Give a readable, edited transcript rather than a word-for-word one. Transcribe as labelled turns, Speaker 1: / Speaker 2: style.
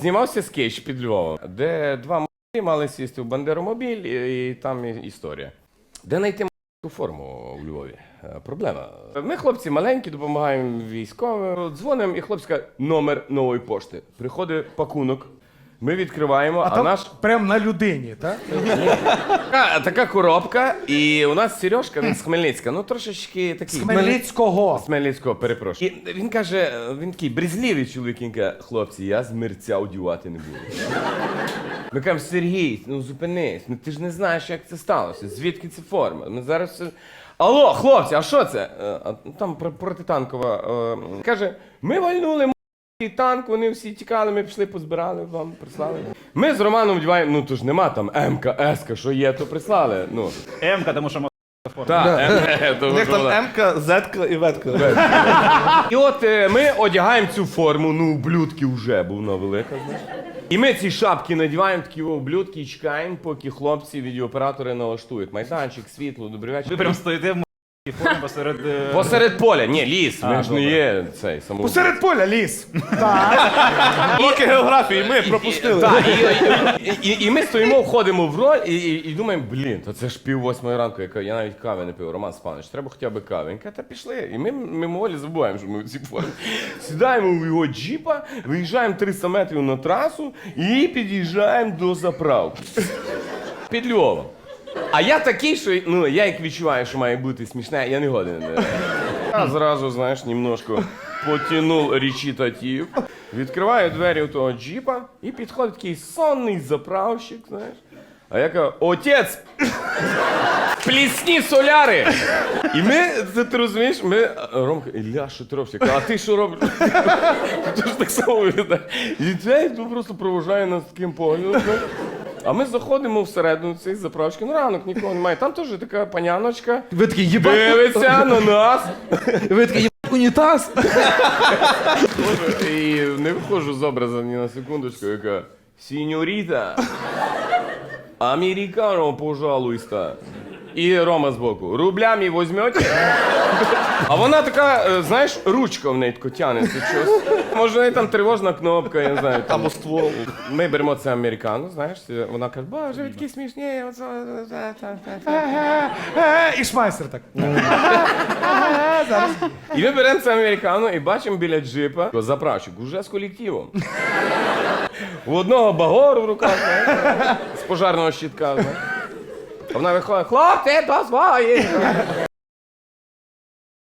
Speaker 1: знімався скетч під Львовом, де два м***і мали сісти в бандеромобіль, і там історія. Де знайти форму у Львові? Проблема. Ми, хлопці маленькі, допомагаємо військовим, дзвонимо, і хлопці кажуть, номер нової пошти. Приходить пакунок, ми відкриваємо, а наш...
Speaker 2: Прям на людині, так?
Speaker 1: Така коробка, і у нас Сережка, він з Хмельницька, ну трошечки такий...
Speaker 2: З Хмельницького.
Speaker 1: З Хмельницького, перепрошую. І він каже, він такий брезгливий чоловік, він каже, хлопці, я з мерця одягати не буду. Ми кажемо, Сергій, ну зупинись, ну ти ж не знаєш, як це сталося, звідки це форма. Ми зараз все... Алло, хлопці, а що це? Там протитанкова. Каже, ми вальнули танк, вони всі тікали, ми пішли, позбирали, вам прислали. Ми з Романом вдіваємо, ну то ж нема там М-ка, С-ка, що є, то прислали. Ну.
Speaker 3: М-ка, тому що форма.
Speaker 1: Так,
Speaker 4: У них там М-ка, З-ка і В-ка.
Speaker 1: І от ми одягаємо цю форму, ну, ублюдки вже, бо вона велика, знаєш. І ми ці шапки надіваємо, такі ублюдки, і чекаємо, поки хлопці, відеооператори налаштують. Майданчик, світло, добрий вечір.
Speaker 3: Ви прям стоїте в формі посеред...
Speaker 1: Посеред поля, ні, ліс, ми ж не є цей самовбивець.
Speaker 2: Посеред поля ліс.
Speaker 4: Уроки географії ми пропустили.
Speaker 1: Так, і ми стоїмо, входимо в роль і думаємо, блін, то це ж 7:30 ранку, я навіть кави не пив, Роман Степанович, треба хоча б кави. Він каже, та пішли. І ми мимоволі забуваємо, що ми в цій формі. Сідаємо в його джіпа, виїжджаємо 300 метрів на трасу і під'їжджаємо до заправки. Під Львовом. А я такий, що, ну, я як відчуваю, що має бути смішне, я не годен. Я зразу, знаєш, немножко потягнув речитатив, відкриваю двері у того джіпа і підходить такий сонний заправщик, знаєш. А я кажу, отець, плісні соляри! І ми, ти розумієш, ми, Ромка, Ілля, що ти робиш? Я кажу, а ти що робиш? Ти ж так само виглядає. І цей просто провожає нас таким поглядом. А ми заходимо всередину цієї заправочки, ну ранок нікого немає. Там теж така паняночка,
Speaker 2: Ви такі, їбать.
Speaker 1: дивиться на нас.
Speaker 2: Ви такі, їбать, унітаз.
Speaker 1: І не виходжу з образу ні на секундочку, яка сіньоріта, американо, пожалуйста. І Рома збоку, рублями візьмете? А вона така, знаєш, ручка в неї тако тянеться щось. Може, в неї там тривожна кнопка, я не знаю.
Speaker 4: Або ствол.
Speaker 1: Ми беремо це американо, знаєш, вона каже, боже, ви такі смішні.
Speaker 2: І шмайсер так.
Speaker 1: І ми беремо це американо і бачимо біля джипа заправщик, уже з колективом. У одного багор в руках, знаєш, з пожарного щитка, знаєш. А вона виходить, хлопці, дозволі!